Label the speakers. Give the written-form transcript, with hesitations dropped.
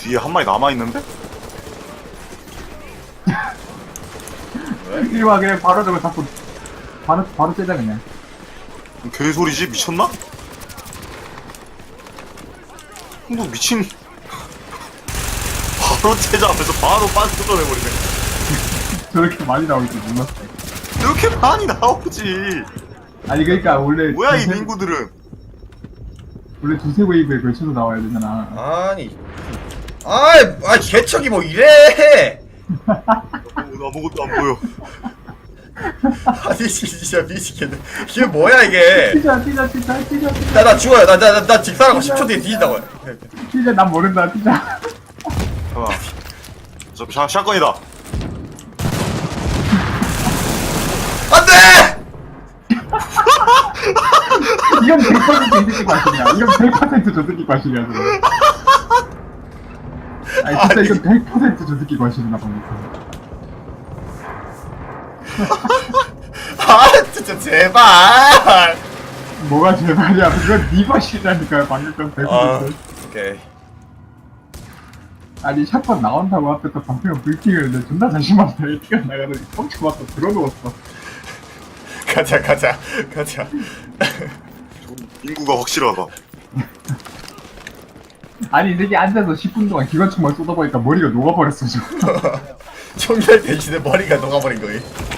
Speaker 1: 뒤에 한 마리 남아있는데?
Speaker 2: 이리 와, 그냥 바로 저거 잡고. 바로 째자, 그냥.
Speaker 1: 개소리지? 미쳤나? 뭐 미친 바로 채자하면서 바로 빤뜯어내버리네.
Speaker 2: 저렇게 많이 나올 줄 몰랐어.
Speaker 1: 이렇게 많이 나오지.
Speaker 2: 아니, 그러니까, 원래.
Speaker 1: 뭐야 이
Speaker 2: 두세-
Speaker 1: 민구들은.
Speaker 2: 원래 두세 웨이브에 걸쳐서 나와야 되잖아.
Speaker 3: 아니 개척이 뭐 이래.
Speaker 1: 아무것도 안 보여.
Speaker 3: 아니 진짜 미치겠네. 이게 뭐야 이게.
Speaker 2: 뛰자.
Speaker 3: 나 죽어요. 나 직사하고 10초 뒤에 뒤진다고요.
Speaker 2: 뛰자, 난 모른다, 뛰자.
Speaker 1: 잠깐만. 저 샷건이다.
Speaker 3: 안돼.
Speaker 2: 이건 100% 이 새끼 과실이야. 이건 100%저 새끼 과실이야, 저거. 아니, 진짜
Speaker 3: 아니.
Speaker 2: 이건 100%저 새끼 과실이나 보니까.
Speaker 3: 아 진짜 제발.
Speaker 2: 뭐가 제발이야. 그건 네 과실이라니까요, 방금 건 100%.
Speaker 3: 오케이.
Speaker 2: 아니, 샷건 나온다고 앞에 또 방패가 불킹을 했는데 존나 자신만다. 뛰어 나가더니 펑치 맞고 들어놓았어.
Speaker 3: 가자.
Speaker 1: 민구가 확실하다.
Speaker 2: 아니, 이 새끼 앉아서 10분 동안 기관총만 쏟아보니까 머리가 녹아버렸어, 지금.
Speaker 3: 총결 대신에 머리가 녹아버린 거예요.